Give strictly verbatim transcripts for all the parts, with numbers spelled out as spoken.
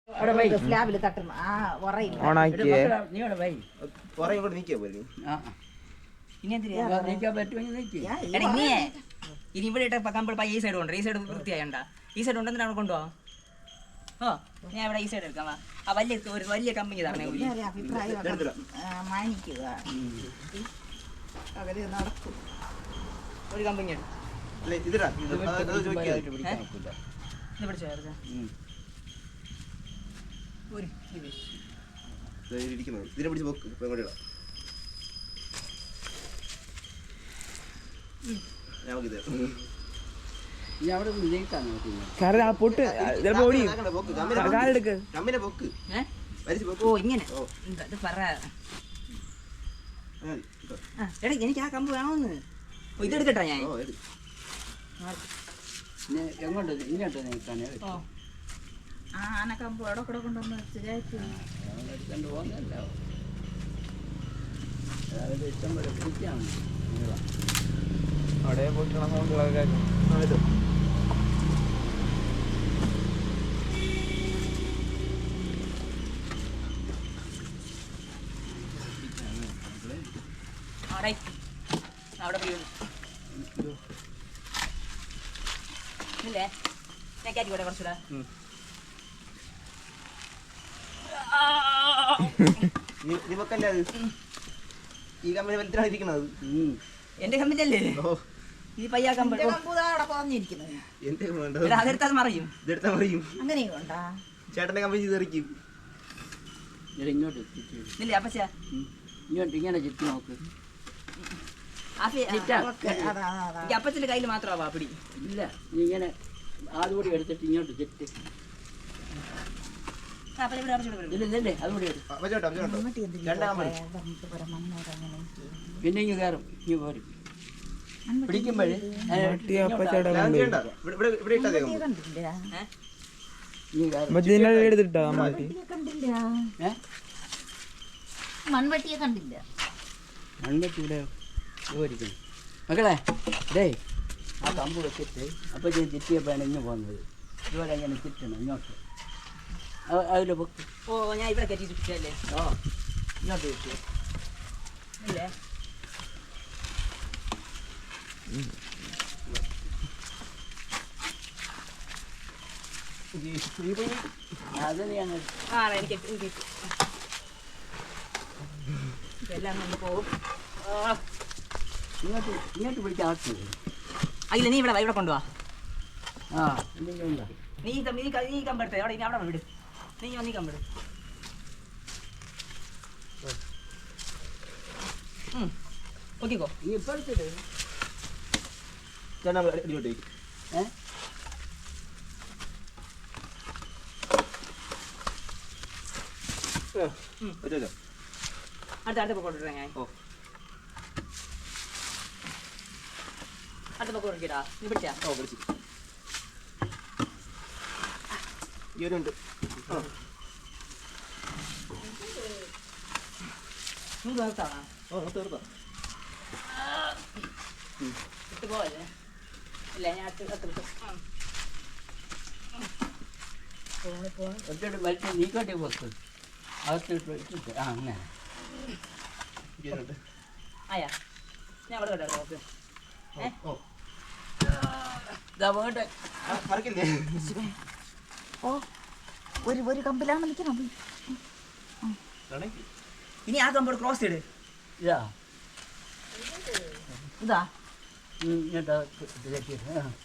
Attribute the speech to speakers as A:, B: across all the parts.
A: സ്ലാബിൽ തട്ടണം. ആ ഉറയില്ല.
B: ഓണാക്കിയേ
C: നീ അവിടെ വൈ
D: കുറേ കൂടെ നീക്കിയാ പോലെ
C: ആ
A: ഇനി എന്തിനാ
C: നീക്കാൻ പറ്റുമെങ്കിൽ നീക്കി
A: എടാ ഇനിയേ ഇനി ഇവിടെ ഇട്ട കമ്പിൾ ഈ സൈഡ് കൊണ്ട് ഈ സൈഡ് വൃത്തിയായണ്ട ഈ സൈഡ് ഉണ്ടെന്നിട്ട് അവിടെ കൊണ്ടുപോവാ. ഓ ഞാൻ ഇവിടെ ഈ സൈഡ് എടുക്കാം. ആ വലിയ ഒരു വലിയ കമ്പനി തരണേ.
D: എടുത്തിടാം.
A: മാനിക്കുക അവര് നടക്കും. ഒരു കമ്പനി എടുക്കും.
D: അല്ലേ ഇതിടാ ഇത് അത് ചോദിക്കാ
C: പിടിക്കാൻ ഒക്കില്ല.
A: ഇത് പിടിച്ചോ ഒരു ഇത്
D: ഇരിക്കുന്നത് ഇതിനെ പിടിച്ച് പോക്ക് ഇപ്പം എങ്ങോട്ട് ഇടാം. നമുക്കിത്
C: നീ അവിടെ നീക്കാൻ നോക്കുന്നു
B: കാരണം ആ പൊട്ട് ചിലപ്പോ ഓടി
D: പോക്ക്
B: കാലെടുക്ക്
D: കമ്മിനെ പോക്ക്
A: ഏഹ്
D: വലിച്ച് പോക്ക്.
A: ഓ ഇങ്ങനെ
D: ഓ
A: ഇത് പറ.
D: ആ, ഇട്ടോ.
A: ആ എടാ എനിക്ക് ആ കമ്പ് വേണമെന്ന്. ഓ ഇതെടുക്കട്ടാ ഞാൻ.
D: ഓ എടു
C: എങ്ങോട്ട് ഇങ്ങോട്ട് നീക്കാനേ
A: ഓ ആ ആനക്കമ്പ് എവിടെ കൂടെ കൊണ്ടുവന്ന് ശരിയായിട്ട്
C: എടുത്തോണ്ട് പോകുന്നല്ലോ അതായത് ഇഷ്ടം പോലെ പിടിക്കാം
B: അവിടെ പൊട്ടണ സൗണ്ടുകളൊക്കെ
D: ആ ഇട്ടോ.
A: അവിടെ അവിടെ പോയി ഇല്ലേ ഞാൻ കയറ്റിക്കോട്ടെ കുറച്ചുകൂടെ.
D: നീ നീ വെക്കല്ലേ അത് ഈ കമ്മിനെ വലിച്ചാണ് ഇരിക്കണത്.
A: എന്റെ കമ്പിന്റെ അല്ലേ
D: ഓ
A: ഈ പയ്യാ കമ്പ്
D: എന്റെ വേണ്ടത്
A: അതെടുത്താൽ മറിയും.
D: ഇതെടുത്താൽ മറിയും.
A: അങ്ങനെയുണ്ടാ
D: ചേട്ടന്റെ കമ്പനി ചെയ്തെറിക്കും.
C: ഇങ്ങോട്ട് ചുറ്റി
A: ഇല്ലേ അപ്പച്ച
C: ഇങ്ങോട്ട് ഇങ്ങനെ ചുറ്റി നോക്ക്
A: അപ്പച്ചന്റെ കയ്യിൽ മാത്രമാവാ പിടി.
C: ഇല്ല നീ ഇങ്ങനെ അതുകൂടി എടുത്തിട്ട് ഇങ്ങോട്ട് ചുറ്റി ഇല്ല ഇല്ലേ അതുകൂടി എടുത്തു
D: ആ, വെച്ചോട്ടോ വെച്ചോട്ടോ രണ്ടാം കമ്പനി
C: പിന്നെ ഇങ്ങ് കയറും ഇങ്ങ് പോരും പിടിക്കുമ്പോഴേ
B: അപ്പച്ചേട്ടാ
D: ചെയ്യണ്ട. ഇവിടെ ഇവിടെ ഇവിടെ ഇട്ടാ തേക്കും.
C: ഇങ്ങ് കയറും
B: മറ്റേ എടുത്തിട്ടാ അമ്മാട്ടി
C: ഏ
A: മൺവെട്ടിയെ കണ്ടില്ല.
C: മൺവെട്ടി ഇവിടെ പോയിരിക്കുന്നു മക്കളെ ഡേ ആ കമ്പ് വെച്ചിട്ട് അപ്പോൾ ഞാൻ ചുറ്റിയപ്പോഴാണ് ഇങ്ങ് പോകുന്നത്. ഇതുപോലെ ഇങ്ങനെ ചുറ്റണം ഇങ്ങോട്ട് അതിൽ പൊക്ക്
A: ഓ ഞാൻ ഇവിടെ കയറ്റി ചുറ്റല്ലേ.
C: ഓ ഇങ്ങോട്ട് ചുറ്റി
A: ഇല്ലേ
C: അത് നീ അങ്ങ്
A: ആ എനിക്ക് എനിക്ക് ഇതെല്ലാം കൊണ്ട് പോകും.
C: ഇങ്ങോട്ട് ഇങ്ങോട്ട് പിടിച്ച് ആക്കി
A: അല്ല നീ ഇവിടെ വാ, ഇവിടെ കൊണ്ടുപോവാ.
C: ആ എന്തെങ്കിലും ഉണ്ടോ
A: നീ ഈ കം- നീ ക- നീ കമ്പെടുത്തേ അവിടെ ഇനി അവിടെ വിട്. നീ വന്ന് നീ കമ്പെടു. നോക്കിക്കോ
C: നീ ഇപ്പോഴത്തെ
D: ചേട്ടാ അടിയോട്ട് വയ്ക്കും.
C: ഏ
D: വെച്ചോ
A: അടുത്ത അടുത്ത പக்கம் കൊണ്ടുവരാം ഞാൻ.
D: ഓ
A: അടുത്ത പக்கம் കൊടുക്കട്ടാ. നീ പിടിച്ചാ
D: ഓ വിളിച്ചു ഈ ഒരു ഉണ്ട്. ആ
A: നീ തീർത്താണോ
D: ഓ തീർത്താ
A: ഇട്ട് പോവല്ലേ. ഇല്ല ഞാൻ അടുത്ത് അടുത്ത് വിട്ടു.
C: ഒറ്റ വലിച്ച് നീക്കോട്ടെ പോക്ക് അകത്തിട്ട് വെച്ചിട്ട് ആ അങ്ങനെ
D: ഈ ഒരു ഉണ്ട്.
A: ആയാ ഞാൻ അവിടെ കേട്ടോ നോക്ക്.
D: ഓ ഓ
C: ഇതാ പോകട്ടെ
D: ആ, മറക്കില്ലേ.
A: ഓ ഒരു ഒരു കമ്പിലാണ് വിളിക്കണം.
D: കണക്ക്.
A: ഇനി ആ കമ്പോട് ക്രോസ് ചെയ്ത്
C: ഇതാ
A: ഇതാ
C: ഇങ്ങോട്ട് ഇതാക്കി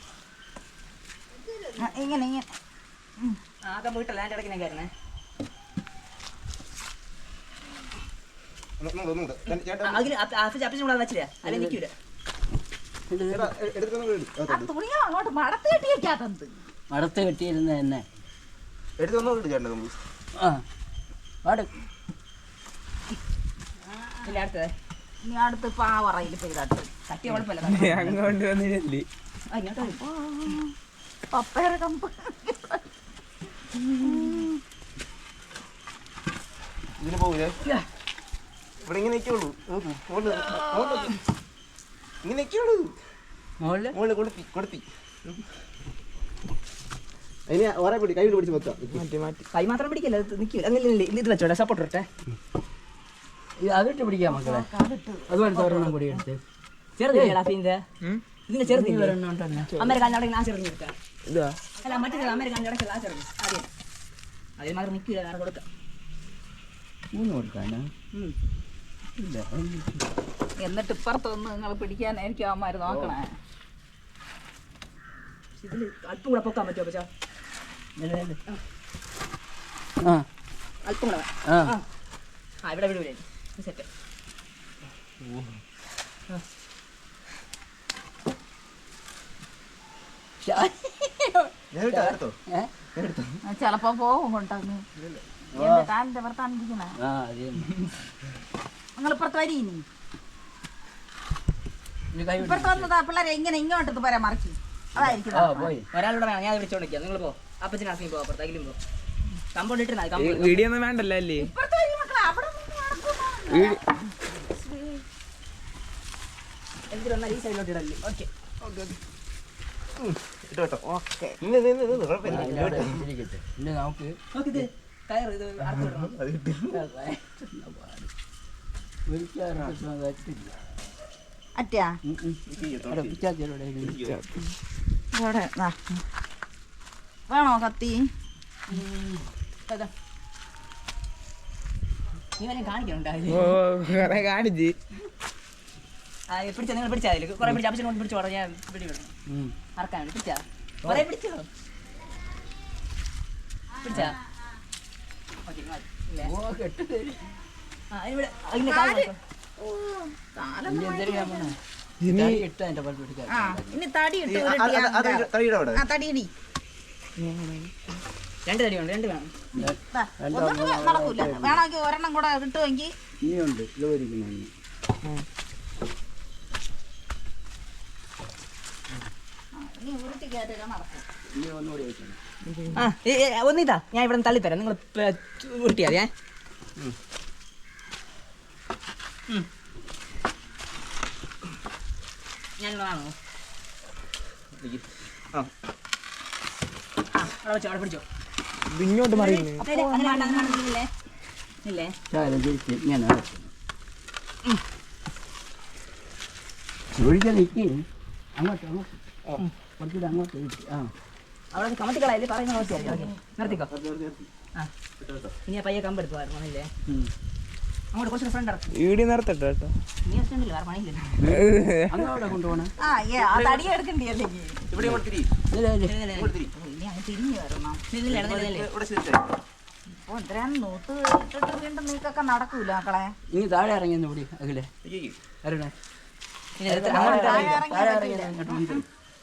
A: ആ, ഇങ്ങനെ ഇങ്ങനെ ആ കമ്പ് വിട്ടല്ല എൻ്റെ ഇടയ്ക്ക് ഞാൻ കയറണേ.
D: ഒന്ന് ഒന്ന് ഒന്നുകൂടെ. ചേട്ടാ ചേട്ടാ
A: അതിന് അപ്പച്ചൻ കൂടെ വെച്ചില്ല അല്ലെ നിൽക്കൂല.
D: ചേട്ടാ എടുത്തൊന്നും എടു
A: ആ തുണിയാ അങ്ങോട്ട് മടത്ത് കെട്ടി വെക്കാത്തത്.
C: മടത്ത് കെട്ടിയിരുന്ന എന്നെ
D: എടുത്തൊന്നും ഇട്ട് ചേട്ടാ നമ്മൾ
C: ആ പാട്
A: ഇല്ല അടുത്തത് ഇനി അടുത്ത് പാവറയിൽ പെയ്താട്ട് തട്ടിയ കുഴപ്പമില്ല.
B: അങ്ങോട്ട് വന്നില്ലേ
A: ആ, ഇങ്ങോട്ട് വരൂ. പപ്പയുടെ കമ്പ്
D: ഇതിന് പോകൂലേ. ഇവിടെ ഇങ്ങനെ നിൽക്കുള്ളൂ. നോക്കൂ മുകളിൽ മുകളിൽ ഇങ്ങനെ നിൽക്കുള്ളൂ.
C: മുകളിൽ
D: മുകളിൽ കൊടുത്തി കൊടുത്തി അതിന് ഓരോ പിടി കൈ പിടിച്ച് വെക്കാം.
B: മാറ്റി മാറ്റി
A: കൈ മാത്രം പിടിക്കല്ല, നിൽക്കില്ല. അങ്ങനെ ഇത് വെച്ചോട്ടെ, സപ്പോർട്ട് ഇട്ടെ.
C: ഇത് അതിട്ട് പിടിക്കാം മക്കളെ. അതുപോലെ ഒരെണ്ണം കൂടി എടുത്ത്
A: ചെറുതില്ല ഇതിന്റെ ഇതിന്റെ ചെറുതില്ല.
C: ഒരെണ്ണം ഉണ്ടല്ലോ.
A: അമേരിക്കാൻ്റെ അവിടെ ആ ചെറുതിന് എടുക്കാം.
B: ഇതാ
A: അല്ല മറ്റേ അമേരിക്കാൻ്റെ ഇടയ്ക്കുള്ള ആ ചെറുത് ആദ്യം അതിൽ മാത്രം നിൽക്കില്ല, വേറെ കൊടുക്കാം.
C: മൂന്ന് കൊടുക്കാനാ?
A: ഉം.
C: ഇല്ല.
E: എന്നിട്ട് ഇപ്പുറത്തൊന്ന് നിങ്ങൾ പിടിക്കാൻ എനിക്ക് അവന്മാര് നോക്കണേ.
A: ഇതിൽ അല്പം കൂടെ പൊക്കാൻ പറ്റുമോ പച്ചാ?
C: ആ
A: അല്പം കൂടെ
C: ആ
A: ആ ഇവിടെ വിടൂലേ സെറ്റ്.
D: ഞാൻ എടുത്തോ എടുത്തോ
C: ഏ?
E: ചിലപ്പോ പോകും കൊണ്ടങ്ങ് എന്റെ കാലിന്റെ പുറത്താണ്ടിരിക്കണേ.
C: ആ അത്
E: നിങ്ങൾ ഇപ്പുറത്ത് വരി. ഇനി
C: ഇനി കൈ വിട്.
E: ഇപ്പുറത്ത് വന്നതാ പിള്ളേരെ ഇങ്ങനെ ഇങ്ങോട്ട് പറയാൻ മറിച്ച് അതായിരിക്കും.
C: ആ പോയി.
A: ഒരാളൂടെ വേണം, ഞാൻ വിളിച്ചോണ്ടിരിക്കാം. നിങ്ങൾ പോ, അപ്പച്ചനാക്കി പോ, അപ്പുറത്തേക്കും പോ. Compound ഇട്ടിരുന്നാ compound.
B: വീഡിയോ ഒന്നും വേണ്ടല്ലോ അല്ലേ?
E: ഇപ്പുറത്ത് വരി മക്കളെ, അവിടെ നിന്ന് നടക്കുന്നു.
B: വീഡിയോ
A: എന്തിന് വന്നാൽ ഈ സൈഡിലോട്ട് ഇടല്ലേ? ഓക്കെ
D: ഇട്ടോ കേട്ടോ. നിന്ന് നിന്ന് നിന്ന് കുഴപ്പമില്ല.
C: ആ, ഇവിടെ ഇരിക്കട്ടെ. ഇനി നമുക്ക്
A: നോക്കി ഇത് കയറ്, ഇത് അർത്ഥം ഇടണം.
D: അത് കിട്ടി.
C: ഒരിക്കലും പറ്റില്ല.
E: അറ്റാ
C: അവിടെ പിച്ചാത്തിയുടെ ഇടയിൽ
E: അവിടെ ദാ. വേണോ കത്തി?
A: അതാ. നീ വരെ കാണിക്കണുണ്ടായി.
B: ഓ കുറെ കാണിച്ച്
A: ആ പിടിച്ചാ, നിങ്ങൾ പിടിച്ചാൽ അതിൽ കുറെ പിടിച്ച് അപ്പച്ചനെ കൊണ്ട് പിടിച്ചോടാ. ഞാൻ പിടി വിടണം അറക്കാൻ വേണ്ടി. പിടിച്ചാ കുറെ പിടിച്ചോ? പിടിച്ചാ ഓക്കെ ഇല്ലേ?
C: ഓ കെട്ട് തരും.
A: ആ ഇവിടെ അതിൻ്റെ കാല് നോക്കാം.
C: ഇനി എന്തെങ്കിലും ഞാൻ പോണേ.
B: ഇനി
C: തടി ഇട്ടാ എൻ്റെ പല്ല് പിടിക്കാൻ.
E: ആ ഇനി തടി ഇട്ട്
D: അത് അത് അത്
E: ഉരുട്ടിയാ.
D: തടിയുടെ അവിടെ.
E: ആ തടിയിടി.
A: രണ്ട് തടി ഉണ്ട്, രണ്ട് വേണം.
E: ദാ, ഒന്നും നടക്കൂല. വേണമെങ്കിൽ ഒരെണ്ണം കൂടെ കിട്ടുമെങ്കിൽ
C: ഇനിയുണ്ട് ഇതുവരിക്കുന്നു.
E: ഇനി ഉരുട്ടി കയറ്റൊക്കെ നടക്കും.
C: ഇനി ഒന്നുകൂടി വെക്കണം.
A: ആ ഏ, ഏ, ഒന്നിതാ, ഞാൻ ഇവിടെ നിന്ന് തള്ളിത്തരാം. നിങ്ങൾ ഉരുട്ടിയാ മതി. ഏ ഞാൻ വാങ്ങോ?
D: ആ
A: ആ അവിടെ വെച്ചോ, അവിടെ പിടിച്ചോ.
B: ഇത് ഇങ്ങോട്ട് മറിയുന്നു.
A: അതെ, അതെ, അങ്ങനെ വേണ്ട, അങ്ങനെ വേണ്ട. ഇല്ലേ ഇല്ലേ?
C: ശകലം തിരിച്ച് ഇങ്ങനെ ഒഴിക്കാൻ നിൽക്കി. അങ്ങോട്ട് അങ്ങോട്ട് കുറച്ചുകൂടെ അങ്ങോട്ട് ഇരിക്ക്. ആ
A: അവിടെ കമത്തിക്കളല്ലേ പറയുന്ന ആവശ്യമില്ല. ഓക്കെ നിർത്തിക്കോ. ആ ഇനി ആ പയ്യെ കമ്പെടുത്ത് വരണം ഇല്ലേ?
C: ഉം.
A: അങ്ങോട്ട് കുറച്ച് ഫ്രണ്ട് ഇറക്കും.
B: വീഡിയോ നിർത്തട്ടെ കേട്ടോ.
A: നീ ഇഷ്ടമില്ല, വേറെ പണിയില്ല.
C: അങ്ങോട്ട് കൊണ്ടുപോകണേ.
E: ആ ഏ ആ തടി എടുക്കണ്ടേ അല്ലെങ്കിൽ
D: ഇവിടെ ഇങ്ങോട്ട് തിരി.
C: ഇല്ല ഇല്ല
A: ഇല്ല, ഇല്ല,
D: ഇങ്ങോട്ട് തിരി.
E: ഇനി അങ്ങ് തിരിഞ്ഞു വരണം.
A: ഇല്ല, ഇല്ല, ഇല്ല, ഇല്ല, ഇല്ല.
D: ഇവിടെ ശരിയായി.
E: ഓ ഇത്രയും നൂത്ത് ഇട്ടിട്ട് വീണ്ടും നീക്കൊക്കെ നടക്കൂല മക്കളെ.
C: ഇനി താഴെ ഇറങ്ങി ഒന്ന് പിടി അഖിലേ.
D: ഇരിക്ക്.
C: അരുണേ
A: ഇല്ല, ഇല്ല, അങ്ങോട്ട്
E: താഴെ
A: ഇറങ്ങി.
E: ഇറങ്ങി
C: താഴെ ഇറങ്ങി
E: പറ്റില്ല.
C: അങ്ങോട്ട് മുൻപിൽ.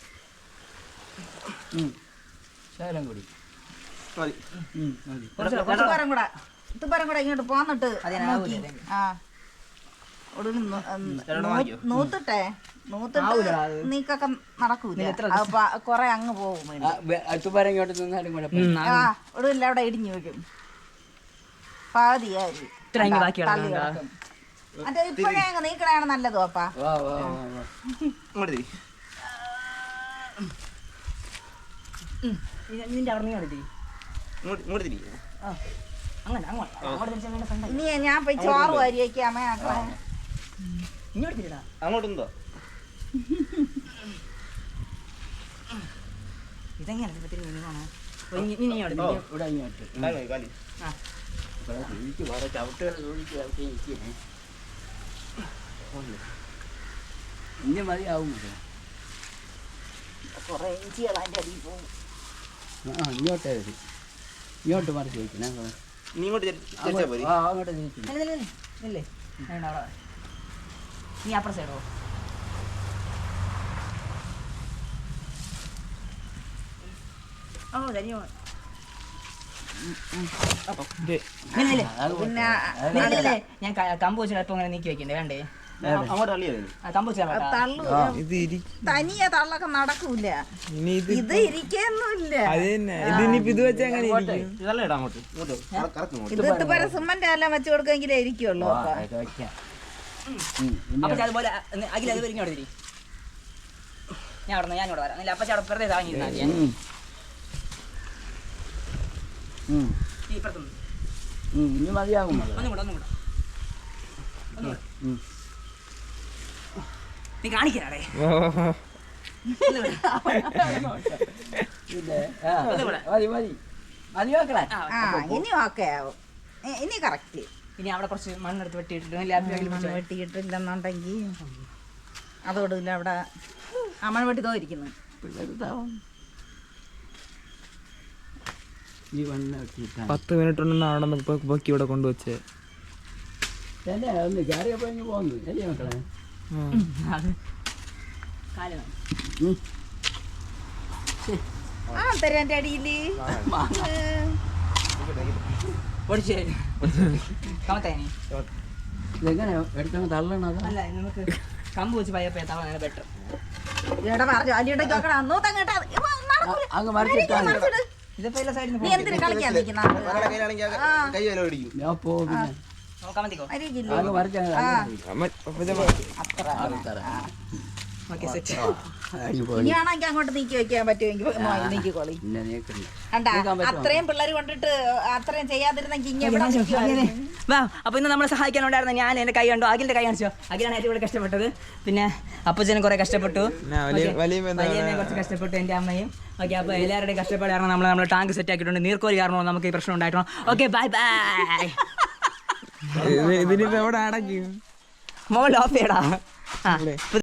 C: ഉം. ശകലം കൂടി.
D: മതി.
C: ഉം, മതി.
A: കുറച്ച്
E: കുറച്ച് പേരും കൂടെ ഇത്തുപേരും കൂടെ ഇങ്ങോട്ട് പോന്നിട്ട്
A: അതിനാവൂല,
E: നോക്കി. ആ ഒടുവിൽ നൂ- ഉം,
D: രണ്ടെണ്ണം
E: നൂ-
D: വാങ്ങിക്കോ.
E: നൂത്തിട്ടെ നൂത്തിട്ട്
A: ആവൂല, അത്.
E: നീക്കൊക്കെ നടക്കൂല.
A: നീ എത്ര
E: അത് പ- കൊറേ അങ്ങ് പോകും
C: ആ, വെ- അടുത്തുപാരം ഇങ്ങോട്ട് നിന്നാലും കുഴപ്പമില്ല.
A: ഉം,
E: ആ
A: ആ.
E: ഒടുവിൽ അവിടെ ഇടിഞ്ഞു വയ്ക്കും. പകുതിയായി
A: ഇത്ര അങ്ങ് ബാക്കി
E: തള്ളി
A: കിടക്കണ്ട.
E: കിടക്കും. മറ്റേ ഇപ്പോഴേ അങ്ങ് നീക്കണയാണ് നല്ലത് അപ്പാ.
C: വാ വാ വാ വാ.
D: ഇങ്ങോട്ട് തിരി.
A: ഉം. ഇനി- നിന്റെ അവിടെ നീ എടുത്തി.
D: ഇങ്ങോട്ട് ഇങ്ങോട്ട് തിരി.
A: ആ അങ്ങനെ അങ്ങോട്ട് അങ്ങോട്ട് തിരിച്ചാൽ വേണ്ട ഫ്രണ്ട്.
E: ഇനി ഞാൻ പോയി ചോറ് വരിയേക്കാമേ മക്കളെ.
A: ഇങ്ങോട്ട് തിരിടാ.
D: അങ്ങോട്ടുണ്ടോ?
A: ഇതെങ്ങനെ ഇപ്പൊ തിരിഞ്ഞ് നീങ്ങണോ? ഓ, ഇനി- ഇനി ഇങ്ങോട്ട്
D: ഓ.
A: തിരി.
C: ഇവിടെ ഇങ്ങോട്ട്.
D: കാലി കാലി.
A: ആ
C: ഇവിടെ ഇരിക്ക്, വേറെ ചവിട്ടുകൾ ഒഴിച്ച് ചവിട്ടി ഇരിക്കണേ. ഇനി മതിയാവും മതി.
E: കൊറേ ഇഞ്ചികൾ അതിന്റെ അടിയിൽ പോകും.
C: ആ ഇങ്ങോട്ടേ വരും. ഇങ്ങോട്ട് മറിച്ച് വയ്ക്കണേ.
D: നീ ഇങ്ങോട്ട് തിരി- തിരിച്ചാ പോരി.
C: ആ അങ്ങോട്ട് തിരിച്ചു.
A: ഇല്ല, ഇല്ല, ഇല്ല. ഇല്ലേ വേണ്ട, അവിടെ നീ അപ്പുറ സൈഡോ? ഓ ധന്യോ.
B: ഇത്
A: ഇല്ലേ
E: പിന്നെ
A: ഇല്ലേ ഞാൻ ക- കമ്പ് വെച്ച് അല്പം അങ്ങനെ നീക്കി വെക്കണ്ടേ? വേണ്ടേ?
D: അങ്ങോട്ട് തള്ളിയത്.
A: ആ കമ്പ് വെച്ചാൽ വേണ്ട.
E: തള്ളു
B: ഇത് ഇരി
E: തനിയെ തള്ളൊക്കെ നടക്കൂല.
B: ഇനി ഇത്
E: ഇത് ഇരിക്കൊന്നുമില്ല.
B: അത് തന്നെ. ഇതിനിപ്പോ ഇത് വെച്ചാൽ അങ്ങനെ ഇരിക്കും.
D: ഇതല്ല ഇടാ അങ്ങോട്ട്. ഇങ്ങോട്ട് കറ- കറക്ക് ഇങ്ങോട്ട്.
E: ഇത് ഇതുപോലെ സിമന്റ് എല്ലാം വെച്ച് കൊടുക്കെങ്കിലേ ഇരിക്കുള്ളൂ.
C: ആ,
E: അപ്പൊ
C: ഇത് വയ്ക്കാം. ഉം, ഇനി
A: അപ്പച്ച അതുപോലെ അഖില അത് ഇങ്ങോട്ട് തിരി. ഞാൻ അവിടെ ഞാൻ ഇവിടെ വരാം. അല്ല അപ്പച്ച അവിടെ വെറുതെ താങ്ങിയിരുന്നാ മതി.
C: ഉം. ഉം.
A: ഈ ഇപ്പുറത്തുനിന്ന്
C: ഉം, ഇനി മതിയാകും മകളെ.
A: ഒന്നും കൂടെ ഒന്നും കൂടെ ഒന്നും കൂടെ
C: ഉം.
A: നീ കാണിക്കാനേ
C: പിന്നെ ആ, മതി മതി മതി മക്കളെ.
E: ആ ഇനി ഓക്കെ ആവും ഇ- ഇനി കറക്റ്റ്
A: ഇനി അവിടെ കുറച്ച് മണ്ണെടുത്ത് വെട്ടിയിട്ടിട്ട് ലാപ്പിൽ
E: മണ്ണ് വെട്ടിയിട്ടില്ലെന്നുണ്ടെങ്കിൽ അതോടില്ല അവിടെ ആ മണ്ണ് വെട്ടി തോന്നിരിക്കുന്നു
C: പിള്ളേരുതാവും. ഈ വണ്ണം ഇട്ടിട്ടാ.
B: പത്ത് മിനിറ്റ് ഉണ്ടെന്ന് അവിടെ നിന്ന് ഇപ്പൊ പൊക്കി ഇവിടെ കൊണ്ടുവച്ചേ.
C: തന്നെ ഒന്ന് കയറിയപ്പോ ഇങ്ങ് പോന്നു അല്ലേ മക്കളെ?
A: അത് കാല് വേണം.
C: ഉം.
E: ആ തരാം എൻ്റെ അടിയില്
A: പൊടിച്ച് കമത്തേനി
C: ഇതെങ്ങനെ എടുത്തങ്ങ് തള്ളണം അതാ?
A: അല്ല നമുക്ക് കമ്പ് വെച്ച് പയ്യപ്പോ തവണ ബെറ്റർ
E: ഇവിടെ പറഞ്ഞു അലിയുടെ നോക്കണം അന്നോ തങ്ങട്ടാ
C: അങ്ങ് മറിച്ചിട്ടാ മതി.
A: ഇതിപ്പോ എല്ലാ സൈഡിൽ
E: നീ എന്തിനു കളിക്കാൻ നിൽക്കുന്ന
D: ഒരാളുടെ കയ്യിലാണെങ്കിൽ കൈ വില പിടിക്കും.
C: ഞാൻ പോ പിന്നെ
A: കമത്തിക്കോ
E: അരിയില്ലേ
C: അങ്ങ് മറിച്ചങ്ങ്
B: അമ്മ അപ്പച്ച
E: അത്ര
A: ഓക്കെ സെറ്റ്
E: ഇനിയാണെങ്കിൽ അങ്ങോട്ട് നീക്കി വെക്കാൻ പറ്റുമെങ്കിൽ നീക്കിക്കോളി
C: പിന്നെ നീക്കണ്ട.
E: കണ്ടാ
C: നീക്കാൻ പറ്റുമോ?
E: അത്രയും പിള്ളേർ കൊണ്ടിട്ട് അത്രയും ചെയ്യാതിരുന്നെങ്കിൽ ഇങ്ങനെ ഇവിടെ
A: അതെ.
E: നിൽക്കുവായിരുന്നു.
A: വാ അപ്പോൾ ഇന്ന് നമ്മളെ സഹായിക്കാനുണ്ടായിരുന്ന ഞാൻ എൻ്റെ കൈ കണ്ടു അഖിലിൻ്റെ കൈ കാണിച്ചോ അഖിലാണ് ഏറ്റവും കൂടുതൽ കഷ്ടപ്പെട്ടത് പിന്നെ അപ്പച്ചനും കുറേ കഷ്ടപ്പെട്ടു
B: ഞാൻ വലിയ-
A: ഓക്കേ.
B: വലിയ ബന്ധമാണ്.
A: വലിയമ്മയും കുറച്ച് കഷ്ടപ്പെട്ടു എൻ്റെ അമ്മയും ഓക്കെ അപ്പോൾ എല്ലാവരുടെയും കഷ്ടപ്പാട് കാരണം നമ്മൾ നമ്മൾ ടാങ്ക് സെറ്റ് ആക്കിയിട്ടുണ്ട് നീർക്കോലി കാരണം നമുക്ക് ഈ പ്രശ്നം ഉണ്ടായിട്ടുണ്ട് ഓക്കെ ബൈ ബൈ
B: ഇതിനിപ്പോ എവിടെ അടയ്ക്കും?
A: മോൾ ഓഫ് ചെയ്യടാ ആ